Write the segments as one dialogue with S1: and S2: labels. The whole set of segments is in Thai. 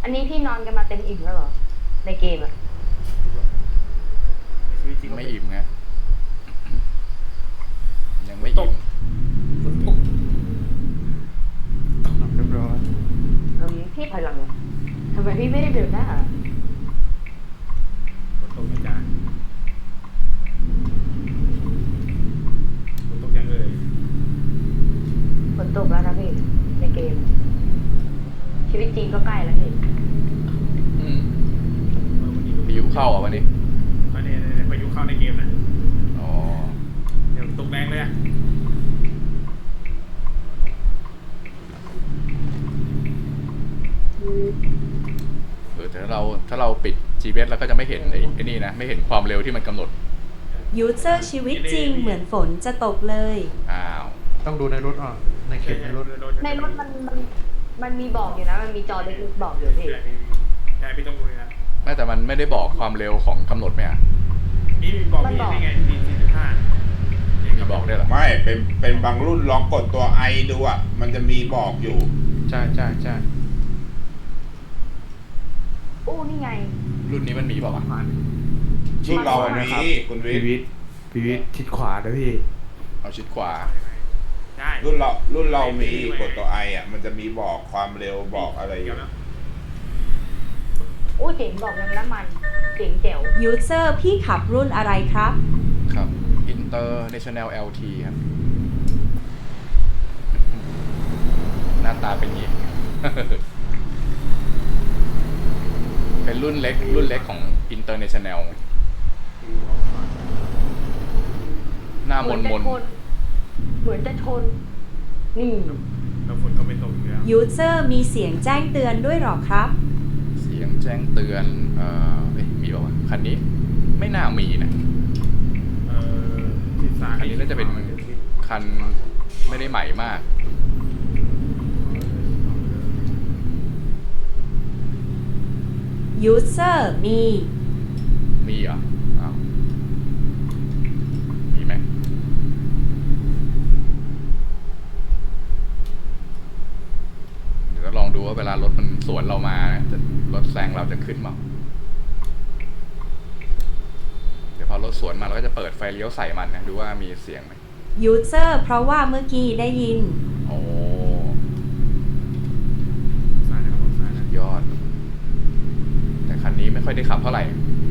S1: อันนี้พี่นอนกันมาเต็มอิ่มแล้วเหรอในเกมอะ
S2: ในชีวิตจริง
S3: ไม่อิ่มไงยังไม่อิ่ม
S2: ฝนตกเรียบร้อย
S1: พี่ถอยหลังเลยทำไมพี่ไม่ได้เดินหน้า
S2: ฝนตกนะจ๊ะฝนตกยังเลย
S1: ฝนตกแล้วนะพี่ในเกม ชีวิตจริงก็ใกล้แล้วพี่
S3: อืม
S2: วันนี้
S3: พายุเข้าอ่ะวันนี้
S2: อันนี้พายุเข้าในเกมนะ
S3: อ๋อ
S2: เดี๋ยวตกแรงเลยอะ
S3: แต่ถ้าเราปิด GPS แล้วก็จะไม่เห็นไอ้นี่นะไม่เห็นความเร็วที่มันกำหนด
S4: ยูเซอร์ชีวิตจริงเหมือนฝนจะตกเลย
S3: อ้าว
S5: ต้องดูในรถอ่ะในเข็มในรถ
S1: ในรถมันมีบอกอยู่นะมันมีจอเล็กๆบอกอยู่พี่
S2: ใช่พี่ต้องดูเลยนะ
S3: ไม่แต่มันไม่ได้บอกความเร็วของกำหนดไหมอ่ะ
S2: นี่มีบอกพี่นี่ไงดี45
S3: มีบอกได้วยเหรอ
S6: ไม่เป็นบางรุ่นลองกดตัวไอดูอ่ะ มันจะมีบอกอยู่
S5: ใช่ใช่ใช่
S1: อู้นี่ไง
S3: รุ่นนี้มันมีเปล่าวะ
S6: รุ่นเรา
S1: มา
S6: มีคุณวิ
S5: พี
S6: ทย์
S5: วิทย์ชิดขวานะพี่
S3: เอาชิดขวา
S2: ใช่
S6: รุ่นเรามีกดตัวไออ่ะ มันจะมีบอกความเร็วบอกอะไรอยู่
S1: อู้เจ๋งบอกเลยน้ำมันเจ๋งแจ๋ว
S4: ยูเซอร์พี่ขับรุ่นอะไรครับ
S3: ครับ International LT ครับ หน้าตาเป็นอย่างนี้ เป็นรุ่นเล็กของ International หน้ามน
S1: เหมือนจะชนนี่
S2: แล้วฝนก็ไม่ตกอยู่แล้ว
S4: ยูเซอร์มีเสียงแจ้งเตือนด้วยหรอครับ
S3: เสียงแจ้งเตือนมีป่าวะคันนี้ไม่น่ามีนะ อันนี้น่าจะเป็นคันไม่ได้ใหม่มาก
S4: ยูเซอร์มี
S3: มีเหรออ้าวมีไหมเดี๋ยวลองดูว่าเวลารถมันสวนเรามานะรถแซงเราจะขึ้นมั้งเดี๋ยวพอรถสวนมาเราก็จะเปิดไฟเลี้ยวใส่มันนะดูว่ามีเสียงไหม
S4: ยูเซอร์เพราะว่าเมื่อกี้ได้ยิน
S3: โอ้
S2: ซ้ายนะครับซ้ายนะ
S3: ยอด แต่คันนี้ไม่ค่อยได้ขับเท่าไหร่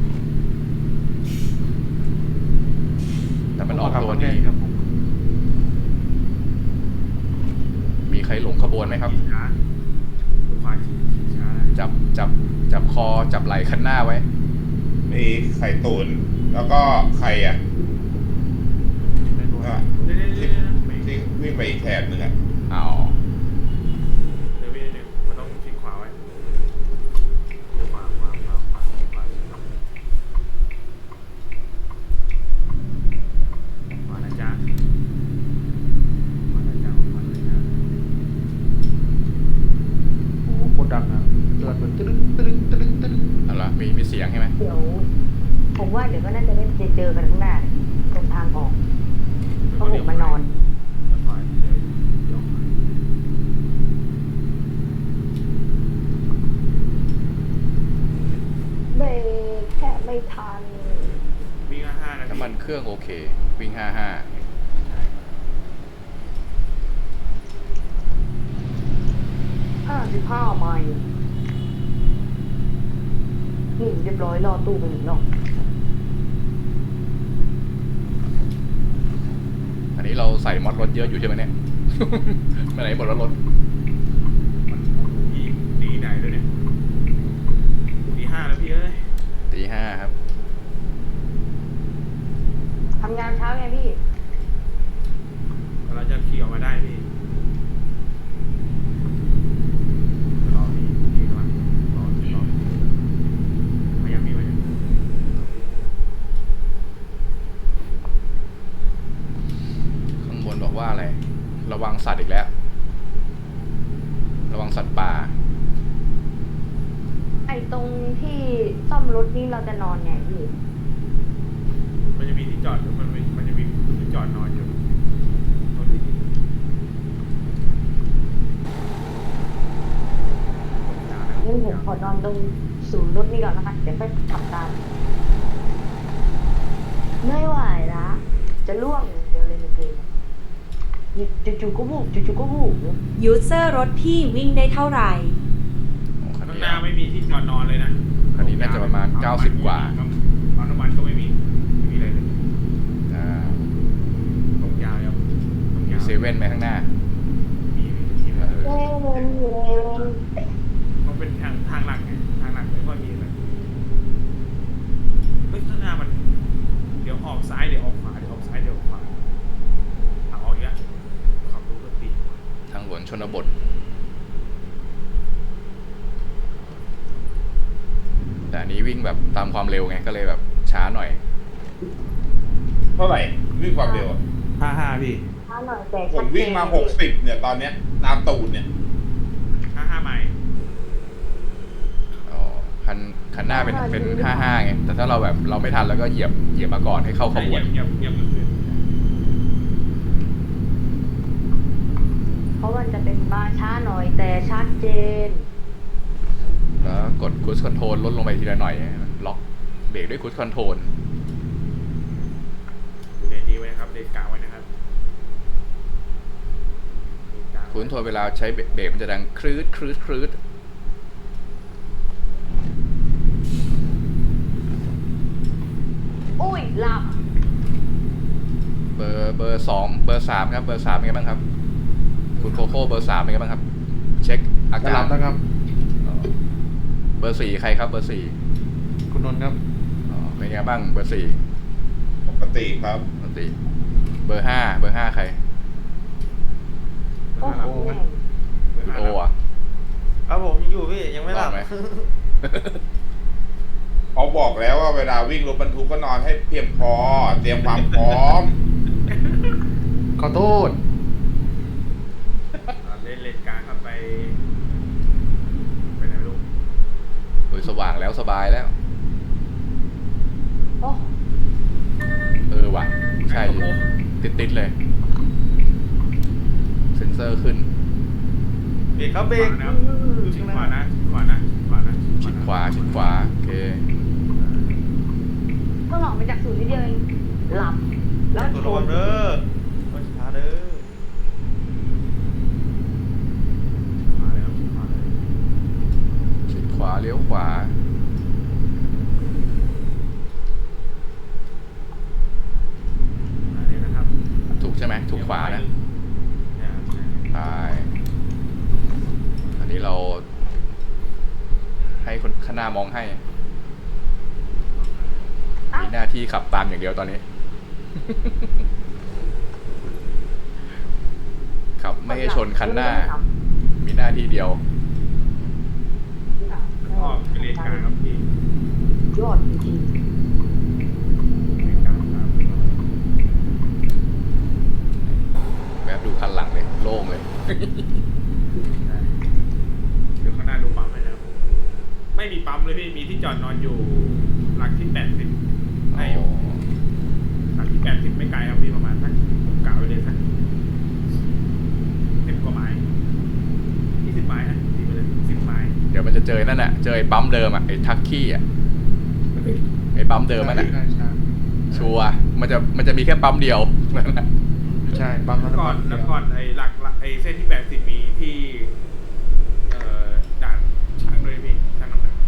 S3: แต่มันออกตัวดี
S5: ครับผม
S3: มีใครหลงขบวนไหมครับ
S2: ช้าขวาช้า
S3: จับคอจับไหล่คันหน้าไว้
S6: มีไข่ตุ๋นแล้วก็ไข่อ่ะ
S5: ในรถ
S6: อ่ะ
S2: เดี๋ยว
S6: ที่วิ่งไปอีกแถบหนึ่งอ่ะ
S3: เอา
S2: มันต้องชิดขวาไว้ขวานะจ๊ะขวานะจ๊ะ
S5: โอ้โหโคตรดังอ่ะเกิดมันตึ้งตึ้งตึ้งตึ้ง
S3: เอาละมีเสียงใช่ไหม
S1: เดี๋ยวผมว่าเดี๋ยวก็น่าจะได้เจอกันข้างหน้าตรงทางออกเพราะผมมานอน
S2: ขวาเดี๋ยวเลี้ยวขวา
S1: เบรกแค่ไม่ทัน
S2: วิ่ง5 นาที
S3: น้ำมันเครื่องโอเค วิ่ง 55
S1: 55 ไมล์นี่เรียบร้อยรอตู้ไปหนึ่งรอบ
S3: อันนี้เราใส่มอดรถเยอะอยู่ใช่ไหมเนี่ย ไปไหนหมดแล้วรถ
S2: มันตีไหนด้วยเนี่ยตี 5แล้วพี่เอ้ย
S3: ตี 5ครับ
S1: ทำงานเช้าไงพี่
S2: เราจะขี่ออกมาได้พี่รอพี่กำลังรอมายังพี่มายัง
S3: ข้างบนบอกว่าอะไร ระวังสัตว์อีกแล้ว ระวังสัตว์ป่า
S1: ไอ้ตรงที่ซ่อมรถนี่เราจะนอนไงพี่
S2: มันจะมีที่จอดมันจะมีที่จอดนอนอยู่ตรงนี้ตรงกลางนะ
S1: งั้นผมขอนอนตรงศูนย์รถนี่ก่อนนะคะเดี๋ยวค่อยขับตามไม่ไหวละจะล่วงอย่างเดียวเลยในเกมจู่ๆก็บุกจู่ๆก็บุก
S4: ยูเซอร์รถพี่วิ่งได้เท่าไหร่
S3: คัน
S2: ข้าง
S3: นี้
S2: หน้าไม่มีที่จอดนอนเลยนะ
S3: คันนี้น่าจะประมาณ90กว่า
S2: ปั๊มน้ำมันก็ไม่มีอะไรเลย
S3: อ่า
S2: ตรงยาวครับตรง
S3: มี
S2: ยาว
S3: เซเว่นไหมข้างหน้า
S2: มี
S3: เออ
S1: เล่นเล่น
S2: มันเป็นทางหลักไงทางหลักไม่ค่อยมีเลยเฮ้ยข้างหน้ามันเดี๋ยวออกซ้ายเดี๋ยวออกขวาเดี๋ยวออกซ้ายเดี๋ยวออกขวาทางออกอีกแล้วขับรถก็ติด
S3: ทางหลวงชนบท แต่อันนี้วิ่งแบบตามความเร็วไงก็เลยแบบช้าหน่อย
S6: เท่าไหร่วิ่งความเร็วอะ
S2: 55พี่
S1: ช้าหน่อยแต่
S6: ผ
S1: ชัด
S6: ม
S1: เจน
S6: วิ่งมา60เนี่ยตอนเนี้ยตามตูดเนี่ย
S2: 55ไมล์
S3: อ๋อคันหน้าเป็น55ไง แต่ถ้าเราแบบเราไม่ทันแล้วก็เหยียบมาก่อนให้เข้าขบวน
S2: เหยียบเลย
S1: เพราะมันจะเป็นมาช้าหน่อยแต่ชัดเจน
S3: แล้วกด cruise control ลดลงไปทีละหน่อยล็อกเบรกด้วย cruise control
S2: เดนดีไว้นะครับเดนกลางไว้นะครับ
S3: cruise control เวลาใช้เบรกมันจะดังครืดครืดครืด
S1: อุ้ยหลับ
S3: เบอร์2เบอร์3ครับเบอร์3เป็นไงบ้างครับ คุณโคโค่เบอร์3เป็นไงบ้างครับ เช็คอา
S5: จะ
S3: กา
S5: หลั
S3: ร
S5: บนะครับ
S3: เบอร์4ใครครับเบอร์
S5: คุณนนท์ครับ
S3: 4อ๋อเป็นไงบ้างเบอร์4
S6: ปกติครับ
S3: ปกติเบอร์5ใคร
S1: โอ้โห
S3: คุณโออ่ะ
S7: ครับผมยังอยู่พี่ยังไม่หลับ
S3: นอนไหม
S6: เขาบอกแล้วว่าเวลาวิ่งรถบรรทุกก็นอนให้เพียงพอ เตรียมความพร้อม
S5: ขอโทษ
S2: เล่นเลนกลางครับไปไหนลูก
S3: โอ้ยสว่างแล้วสบายแล้ว
S1: โอ้
S3: ว่ะใช่ติดเลย เซ็นเซอร์ขึ้น
S7: เบรกครับเบรก
S2: นะครับชิดขวานะขวานะขวานะ
S3: ชิดขวาโอเค
S1: ก็หลอกไปจากศูนย์นิดเดียวเองหลับ แล้ว
S7: ตัว
S1: ช
S7: ระวัน งเด้อวันช้าเด้อ
S2: ขวาแล้วขวาเลย
S3: ชิดขวาเลี้ยวขวา
S2: อันนี้นะครับ
S3: ถูกใช่ไหมถูกขวานะไปอันนี้เรา ให้คนข้างหน้ามองให้ มีหน้าที่ขับตามอย่างเดียวตอนนี้ ขับไม่ให้ชนคันหน้า มีหน้าที่เดียว
S2: ก็เป็นเลนกลางครับพี่
S1: ยอดจริง
S2: เลนกลางครับ
S3: แวบดูคันหลังเลย โล่งเลย
S2: เดี๋ยวข้างหน้าดูปั๊มเลยนะครับไม่มีปั๊มเลยพี่มีที่จอดนอนอยู่หลักที่80ได้อยู่หลักที่80ไม่ไกลครับพี่ประมาณสักผมกะไว้เลยสัก10กว่าไม้20ไม้นะที่ไปเลย10ไม้
S3: เดี๋ยวมันจะเจอนั่นน่ะ เจอไอ้ปั๊มเดิมอ่ะ ไอ้ทักกี้อ่ะ ไอ้ปั๊มเดิมมันอ่ะ
S5: ใช่ใช่
S3: ชัวร์มันจะมีแค่ปั๊มเดียวนั่นแหละ
S5: ใช่ปั๊ม
S2: แล้ว
S5: น้ำ
S2: ก่
S5: มั
S2: อน
S5: น
S2: แล้วก่อนไอ้หลักไอ้เส้นที่80มีที่ด่านช่างด้วยพี่ช่างน้ำหนัก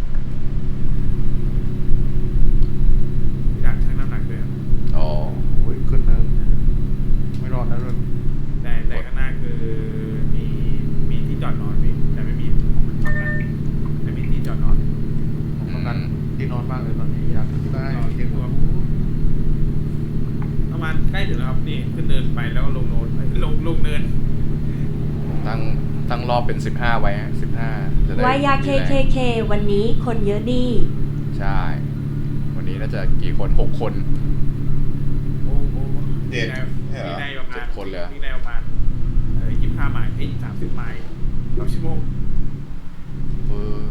S2: ด่านช่างน้ำหนักด้วยครับ
S3: อ๋อ
S5: โอ้ยขึ้นเนินไม่รอดนะรถ
S2: แต่ข้างหน้าคือมีที่จอดนอนพี่แต่ไม่มีฝั่งนั้นไม่มีที่จอดนอน
S5: ผมต้องการที่นอนมากเลยตอนนี้อยากที่บ้าน
S2: นอน
S5: เตียง
S2: ตัวประมาณใกล้ถึงแล้วครับนี่ขึ้นเนินไปแล้วก็ลงโนนลงเนิน
S3: ตั้งรอบเป็น15ไว้ฮะ15จะได้
S4: วายา
S3: มีแรง
S4: KKK วันนี้คนเยอะดี
S3: ใช่ วันนี้น่าจะกี่คน6 คน
S2: โอ้โห
S6: เจ็ดใช่เหรอ
S2: มีในประมาณ
S3: 7 คนเลยเหรอ
S2: มีในประมาณ25 ไมล์30 ไมล์ต่อชั่วโมง
S3: เออ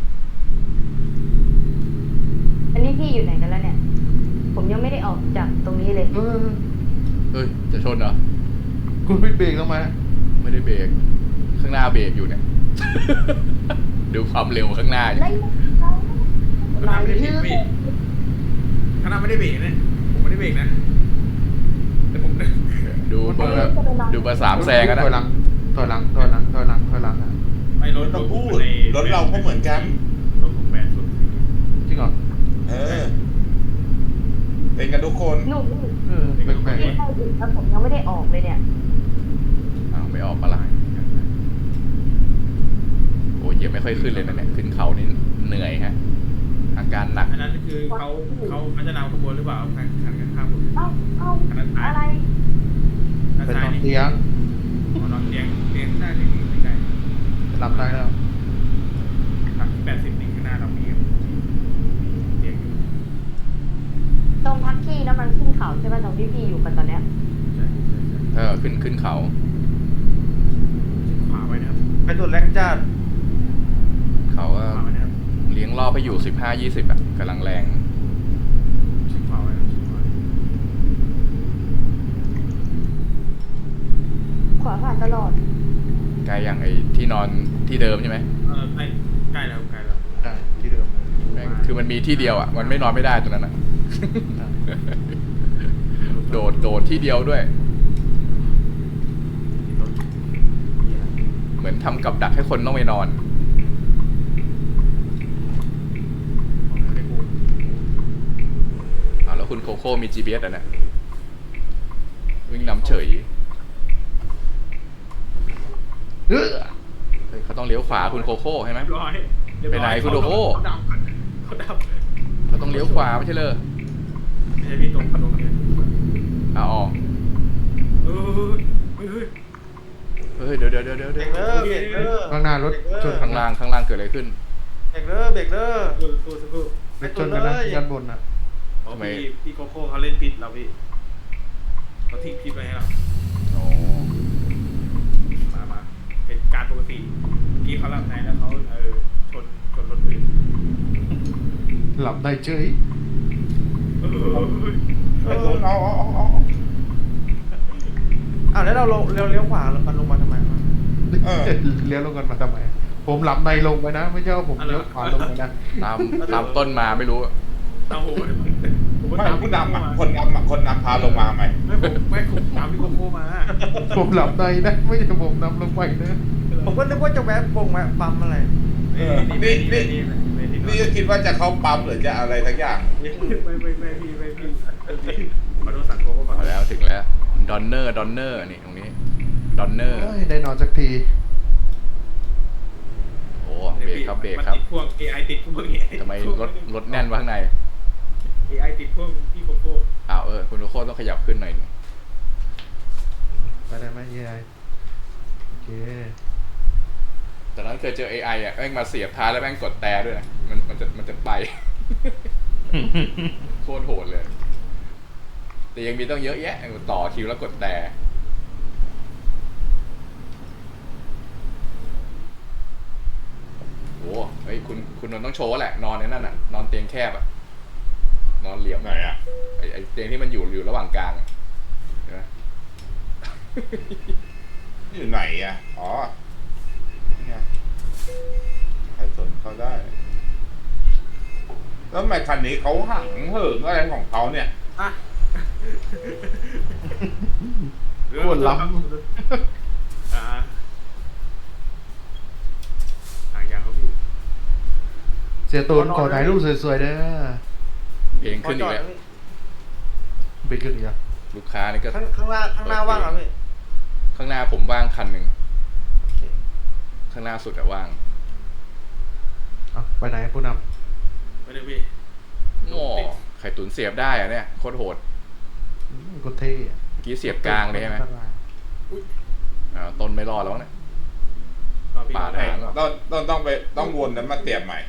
S1: อันนี้พี่อยู่ไหนกันแล้วเนี่ย ผมยังไม่ได้ออกจากตรงนี้เลย
S3: เฮ้ย จะชนเหรอ
S5: คุณไม่เบรกทำไม
S3: ไม่ได้เบรก ข้างหน้าเบรกอยู่เนี่ย ดูดูความเร็วข้างหน้าดิ
S1: ไล่
S2: ข้างหน้าไม่ได้เบรกพี่ข้างหน้าไม่ได้เบรกนะผมไม่ได้เบรกนะแต่ผม
S3: ดูเบอร์ดูเบอร์สามแซงกัน
S5: ถอยหลั
S3: นะ
S5: งถอยหลังถอยหลังถอยหลังถอยหลังอ่ะ
S2: ไม่รถ
S6: ต้องพูดรถเราก็เหมือนกัน
S2: รถผมแปดสุด
S5: จริงเหรอ
S6: เออ เป็นกันทุกคน
S1: หนุ่ม
S5: แปลก
S1: ที่ใครอีกแล้วผมยังไม่ได้ออกเลยเนี่ย
S3: อ้าวไม่ออกปะล่ะโอ้ยยังไม่ค่อยขึ้นเลยนะเนี่ยขึ้นเขานี่เหนื่อยฮะอาการหนัก
S2: อันนั้นคือเขาจะนำขบวนหรือเปล่าคันข้างผม
S1: เอ้าอะไร
S5: ๆเป็นนอนเตียง
S2: นอนเตียงหน้าเตียงไม่ได้
S5: หลับได้แล้ว
S2: 80 ข้างหน้าเรามีเตียงอยู่
S1: ตรงพักที่แล้วมันขึ้นเขาใช่ไหมตรงที่พี่อยู่กันตอนเนี้ย
S2: ใช่
S3: ขึ้นเขา
S2: ขวาไว้นะครับ
S7: ไปตุดแรงจัด
S3: เขาก็
S2: ขวาไว้นะครับ
S3: เลี้ยงรอบไปอยู่15-20อ่ะกำลังแรง
S2: ขวาไว้นะขวา
S1: ขวาผ่านตลอด
S3: ใกล้อย่างไอ้ที่นอนที่เดิมใช่ไหม
S2: ใกล้แล้วใกล้แล้ว
S5: ได้ที่เดิมเลย
S3: แม่งคือมันมีที่เดียวอ่ะมันไม่นอนไม่ได้ตรงนั้นอ่ะ โดดที่เดียวด้วย เหมือนทำกับดักให้คนต้องไปนอนแล้วคุณโคโค่มี GPS อ่ะเนี่ยวิ่งนำเฉยเฮ้ยเขาต้องเลี้ยวขวาคุณโคโค่ใช่ไหม
S2: ร้อย
S3: ไปไหนคุณโดโก้
S2: เขาดับ
S3: เขาต้องเลี้ยวขวาไม่ใช่เลย
S2: ไม่ใช่พี่ตรงนี้
S3: อ๋อ เฮ้ยเดี๋ยว
S7: เบรกเด้อเบรกเด้อ
S5: ข้างหน้ารถชน
S3: ข้างล่างเกิดอะไรขึ้น
S7: เบรกเด้อเบรกเด้อ
S2: สักครู่
S5: รถชนกันนะด้านบนอ่ะ
S2: อ๋อพี่โคโค่เขาเล่นผิดเราพี่เขาทิ้งผิดไปให้เรา
S3: อ๋อ
S2: มาเป็นการปกติกี้เขาหลับในแล้วเขาชนรถอื่น
S5: หลับได้เฉย
S6: เอา
S7: อ้าวแล้วเราเลี้ยวขวามันลงมาทำไมวะ
S5: เลี้ยวลงกันมาทำไมผมหลับในลงไปนะไม่ใช่ว่าผมเลี้ยวขวาลงไปนะ
S3: ตามต้นมาไม่รู้
S2: เอาผม
S6: ไม่ผู้นำอ่ะคนนำพาลงมาไหม
S2: ไม่ผมตามพี่โคโค่มา
S5: ผมหลับในนะไม่ใช่ผมนำลงไปนะ
S7: ผมก็นึกว่าจะแวะปั๊มอะไร
S6: นี่ก็คิดว่าจะเข้าปั๊มหรือจะอะไรทั้งอย่าง
S2: ไม่พี่ขอโทษสังคมก่อน
S3: มาแล้วถึงแล้วดอนเนอร์นี่ตรงนี้ดอนเนอร์
S5: ได้นอนสักที
S3: โอ้เบรกครับ
S2: ติดพวก AI ติดพวก AI
S3: ทำไมรถแน่นวะข้างใน
S2: AI ติดพวกพี่โคโค่
S3: อ้าวคุณโคโค่ต้องขยับขึ้นหน่อย
S5: ไปได้ไหมยายโอเค
S3: ตอนนั้นเคยเจอ AI อ่ะแม่งมาเสียบท้ายแล้วแม่งกดแต่ด้วยนะมันจะไป โคตรโหดเลย แต่ยังมีต้องเยอะแยะต่อคิวแล้วกดแต่โอ้เฮ้ยคุณนนท์ต้องโชว์แหละนอนในนั่นน่ะนอนเตียงแคบอ่ะนอนเหลี่ยม
S6: ไหนอ่ะ
S3: ไอเตียงที่มันอยู่ระหว่างกลางอะเห็นไหม
S6: อยู่ไหนอ่ะอ๋อนี่ไงใครสนเขาได้ แล้วทำไมคันนี้เขาหังเหิงอะไรของเขาเนี่ย
S5: ปวดล้ำ
S2: อย่างเขาพี่
S5: เสียตูนขอถ่ายรูปสวยๆเด้อ
S3: เพลงขึ้นอีกแล้ว
S5: ไปขึ้นอีกอ่ะ
S3: ลูกค้านี่ก็
S7: ข้างหน้าว่างเหรอพี่
S3: ข้างหน้าผมว่างคันหนึ่งข้างหน้าสุดอะว่าง
S5: ไปไหนผู้น
S2: ไม่ได้พี่
S3: โง่ไข่ตุ๋นเสียบได้อะเนี่ยโคตรโหด
S5: ำก็เท่อะ
S3: เมื่อกี้เสียบกลางเลยใช่ไหมต้นไม่รอดแล้วเนี่ย ปาดหางเหรอ
S6: ต้องวนนั้นมาเสียบใหม่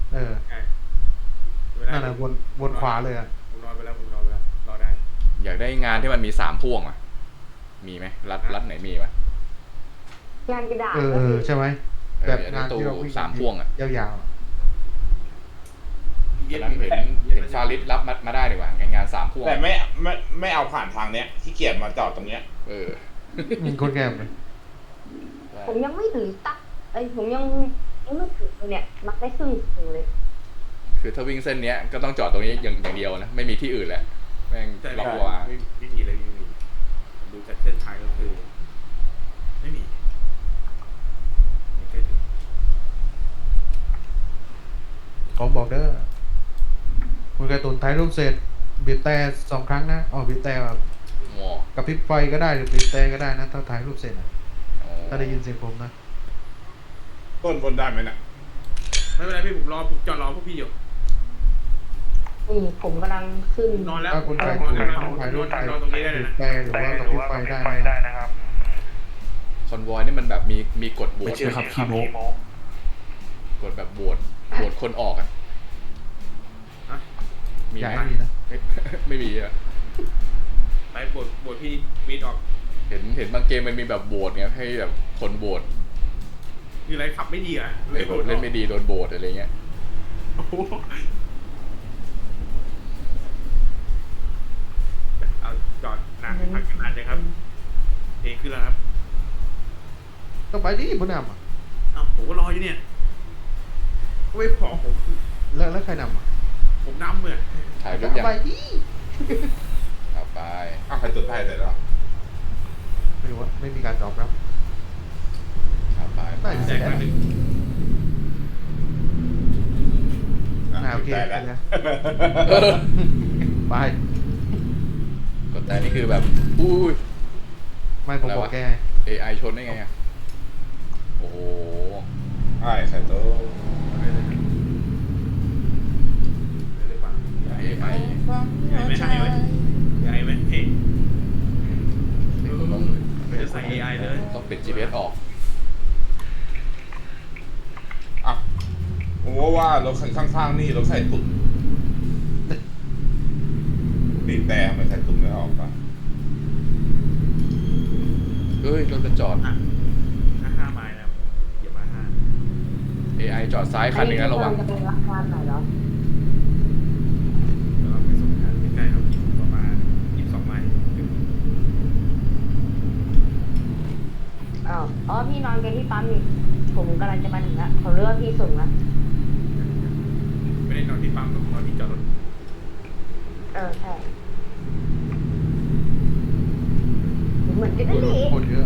S5: นั่นแหละวนขวาเลยอ่ะ
S2: ผมนอนไปแล้วรอได้
S3: อยากได้งานที่มันมี3พ่วงอ่ะมีไหมรัดไหนมีปะ
S1: งานกระดาษ
S5: ใช่ไหมแบบงานที่เราวิ่ง
S3: 3พ่วงอ่ะ
S5: ยาวๆ
S3: ตอนนั้นเห็นฟาริสรับมาได้ดีกว่างาน3พ่วง
S6: แต่ไม่เอาผ่านทางเนี้ยที่เกียจมาจอดตรงเนี้ย
S5: มีคนแก่ไหม
S1: ผมยังไม่ถึงตักผมยังไม่ถึงเนี่ยมักได้ครึ่งถึงเลย
S3: คือถ้าวิ่งเส้นเนี้ยก็ต้องจอดตรงนี้อย่างเดียวนะ ไม่มีที่อื่นแหละแม่ง
S2: แต่
S3: ล็อก
S2: ไม่
S3: วา
S2: ไม่มีเลยไม่มีผมดูจากเส้นทางก็คือ ไม่มีไม่เคยถึง
S5: ผมบอกเด้อคุณการ์ตูนถ่ายรูปเสร็จบีบแต่2 ครั้งนะบีบแต่แบบ
S3: หมอก
S5: ระพริบไฟก็ได้หรือบีบแต่ก็ได้นะถ้าถ่ายรูปเสร็จนะ
S3: อ๋อ
S5: ถ้าได้ยินเสียงผมนะ
S6: ต้นบนได้ไหมน่ะ
S2: ไม่เป็นไรพี่ผมจอดรอพวกพี่อยู่
S1: นี่ผมกำลังขึ้น
S2: นอนแล้ว
S5: ถ้าคุณ
S2: น
S5: ถ่าย
S2: อน
S5: รูป
S2: แล้ว
S5: ถ่ายรูป
S2: นอนตรงนี้ได้เลย
S5: บี
S2: นะ
S5: บแต่หรือว่ากระพริบไฟได้นะ
S3: คอนวอยนี่มันแบบมีกฎโหว
S8: ไม่
S3: ต
S8: เชื่อครับขี้โม
S3: กฎแบบโหวตคนออกอ่ะ
S2: ฮะ
S3: มี
S5: อย่า
S3: ไหม
S5: ให้มีนะ
S3: ไม่มีอ่ะ
S2: ไปบทพี่วีดออก
S3: เห็นบางเกมมันมีแบบโหวตเงี้ยให้แบบคนโหวต
S2: คืออะไรขับไม่ดีอ่ะ
S3: เล่นไม่ดีโดนโหวตอะไรเงี้ย
S2: โอ้โหเอาจอดนานพักกันนานเลยครับเพลงขึ้นแล้วครับ
S5: ต้องไปดิผู้นำอ่ะ
S2: อ้าวผมก็รออยู่เนี่ยก็ไม่พอผม
S5: แล้วใครนำอ่ะ
S2: ผมนำเลย
S3: ถ่ายรูปยัง
S5: ไปดิ
S3: เอาไป
S6: ใครจุดไฟเสร็จแล้ว
S5: ไม่รู้ว่าไม่มีการตอบรับ
S3: เอาไป
S5: ได้
S2: แจกมาหนึ่ง
S5: โอเค
S6: ได้แล้ว
S5: ไป
S3: กดแต่นี่คือแบบอุ้ย
S5: ไม่ผมบอกแก
S3: AI ชนได้ไงอ่ะโอ้โห
S6: ใช่ใส่โต๊ะ
S2: เลยหรือเปล่า
S3: AI
S2: ใหญ่ไหมใหญ่ไหมใหญ่ไหมเฮ้ย
S3: ต้อง
S2: จะใส่ AI เลย
S3: ต้องปิด GPS ออก
S6: อ่ะผมว่ารถคันข้างๆนี่รถใส่ตุ่มบีบแต่ทำไมใส่ตุ่มไม่ออกปะ
S3: เฮ้ยรถจะจอด
S2: อ่ะ5 ไมล์นะครับเหยียบมา5
S3: AI จอดซ้ายคันหนึงนะระวัง
S1: จะเป็นราคาไหนเหรอ
S2: แล้วเราไปส่งงานใกล้ๆครับประมาณ22 ไมล์
S1: อ๋อพี่นอนกันที่ปั๊มนี่ผมกำลังจะมาถึงละผมเลือกพี่ส่งละ
S2: ไม่ได้นอนที่ปั๊มหรอกนอนที่จอดรถ
S1: ใช่เหมือนกันนั่นเอง
S5: คนเยอะ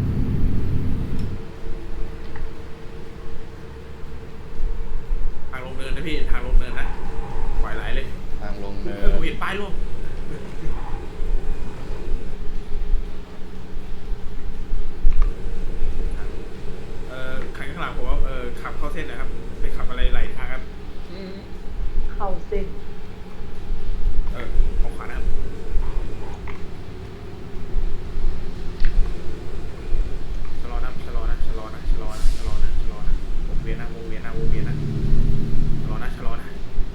S2: ทางลงเนินนะพี่ทางลงเนินนะไหวไหลเลย
S3: ทางลงเนิ
S2: ผม
S3: น
S2: เห็นป้ายร่วงคันข้างหลังผมว่าขับเข้าเส้นนะครับไปขับอะไรไหลทางครับ
S1: เข้าสิ
S2: ออกขวานะครับชะลอนะชะลอนะชะลอนะชะลอนะชะลอนะชะลอนะวงเวียนนะวงเวียนนะวงเวียนนะชะลอนะชะลอนะ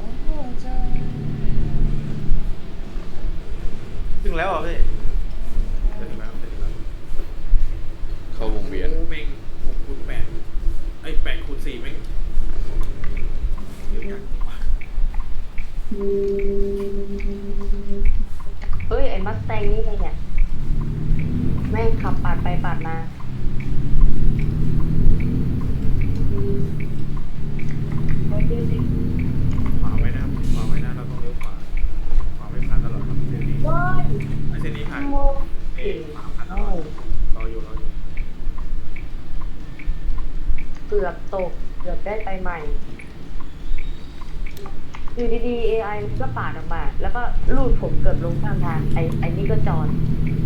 S7: ถึงแล้วเหรอพี่
S2: จะถึงแล้วจะถึงแล้ว
S3: เข้าวงเวียน
S2: โอ้เม่ง6 คูณ 8ไอ้8 คูณ 4เม่งเยอะจัง
S1: เฮ้ยไอ้มัสแตงนี่ไงเนี่ยแม่งขับปาดไปปาดมาเฮ้ยดิ
S2: ขวาไว้นะครับขวาไว้นะเราต้องเลี้ยวขวาขวาไม่ผ่านตลอดครับเส้นนี้
S1: เฮ้ย
S2: ไอ้เส้นนี้ผ่าน
S1: โม
S2: เอ๊ะขวาผ่านตลอดรออยู่
S1: เกือบตกเกือบได้ไปใหม่อยู่ดีๆ AI มันก็ปาดออกมา แล้วก็ลูดผมเกือบลงข้างทางไอ้นี่ก็จอด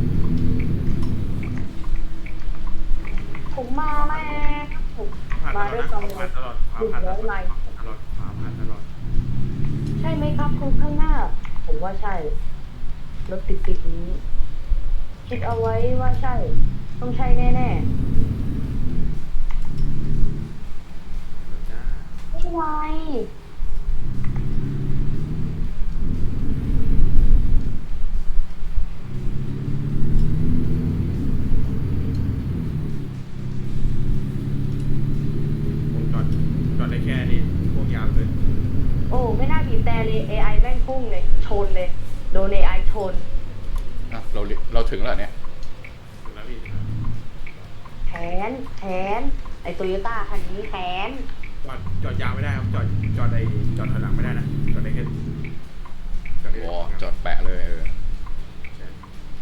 S1: ผมมาแม่ผม
S2: ผ่าน
S1: มา
S2: ต
S1: ด้
S2: ล
S1: ว
S2: อย ด
S1: ความ
S2: ผ่านตลอดขวาผ่านตลอดขวาผ่านตลอดขวาผ่านตลอด
S1: ใช่ไหมครับคุณข้างหน้า ผมว่าใช่ รถติดๆนี้ คิดเอาไว้ว่าใช่ ต้องใช่แน่ๆ
S2: จ้า
S1: ไม่เป็นไร
S2: ผมจอดได้แค่นี้พวกยาวเลย
S1: โอ้ ไม่น่าบีบแต่เลย AI แม่งพุ่งเลย ชนเลย โดน AI ชน
S3: อ่ะเราถึงแล้วเนี่ย
S2: ถึงแล้วพี่
S1: แขน ไอ้โตโยต้าคันนี้แขน
S2: จอดจอดยาวไม่ได้ครับจอดถอยหลังไม่ได้นะจอดได้แค่จอดได้
S3: อ๋อจอดแปะเลย
S2: ใช่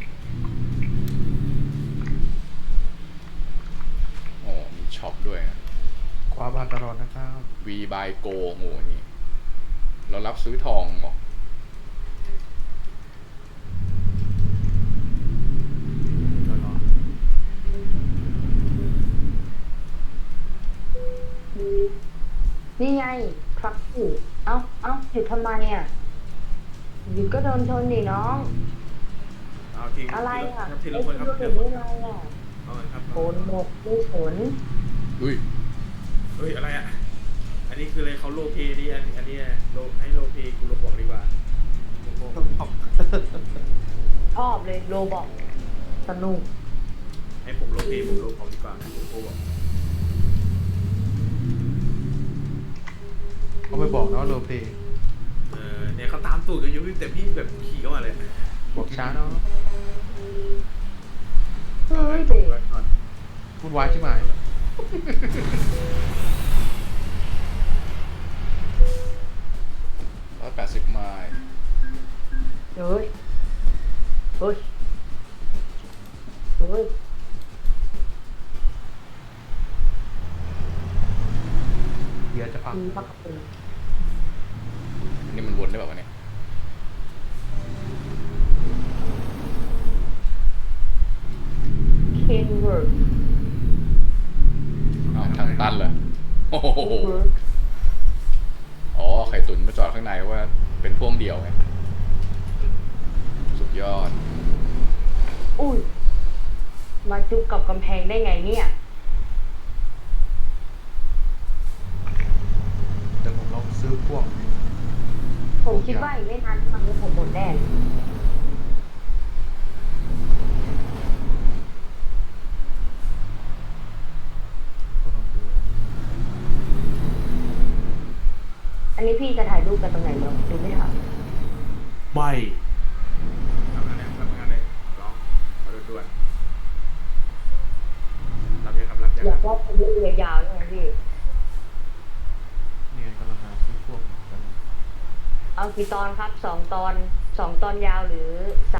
S3: โอ้มีช็อปด้วยนะ
S5: ความอันตรายนะครับ
S3: V by Go โหนี่ เรารับซื้อทองบอก
S2: จอดรอ
S1: นี่ไงครับอยู่เอ้าหยุดทำไมอ่ะหยุดก็โดนชนดิน้อง
S2: เอาทิ้ง
S1: อะไรอ่ะ
S2: ทีละคนครับ
S1: ไอ้
S2: ที
S1: ที่
S2: ละ
S1: รถ
S2: คน
S1: เป็น
S2: ครับ
S1: อะไรอ่ะ
S2: เอาเลยครับ
S1: โผนหมกไม่ผล
S3: อุ้ย
S2: เฮ้ยอะไรอ่ะอันนี้คืออะไรเขาโลเพนี่อันนี้โลให้โลเพกูโลบอกดีกว่าโลบอก
S1: ชอบเลยโรบอกสนุก
S2: ให้ผมโลเพผมโลบอกดีกว่าผมโลบอก
S5: เขาไม่บอกนะว่าโลเพ
S2: เนี่ยเขาตามตูดกันอยู่แต่พี่แบบขี่เข้ามาเลย
S5: บอกช้าเนาะ
S1: เฮ้ยเด็ก
S5: วุ่นวายใช่ไหม
S3: 180 ไมล์
S1: เฮ้ยเฮ้ยเฮ้ย
S5: เดี๋ยวจะพัง
S1: มีพักปืน
S3: นี่มันวนได้แบบวะเนี่ย
S1: เคนเวิร์ก
S3: อ้าวทางตันเหรอโอ้โห
S1: เวิร์ก
S3: อ๋อ ไข่ตุ๋นมาจอดข้างในว่าเป็นพ่วงเดี่ยวไง สุดยอด
S1: อุ้ยมาจุกกับกำแพงได้ไงเนี่ย
S5: เดี๋ยวผมลองซื้อพ่วง
S1: ผมคิดว่าอีกไม่นานทำให้ผมหมดแน่
S5: ก็ลองดู
S1: อันนี้พี่จะถ่ายรูปกันตรงไหนเนาะดูไม่ทัน
S2: ไม่ทำงานเลยร้องมาด่วนรับยังครับรับยัง
S1: อยากว่าเป็นรูปยาวๆใช่ไหมพี่
S5: เนี่ยกำลังหาซื้อพ่วงกัน
S1: เอากี่ตอนครับ2 ตอน 2 ตอนยาวหรือ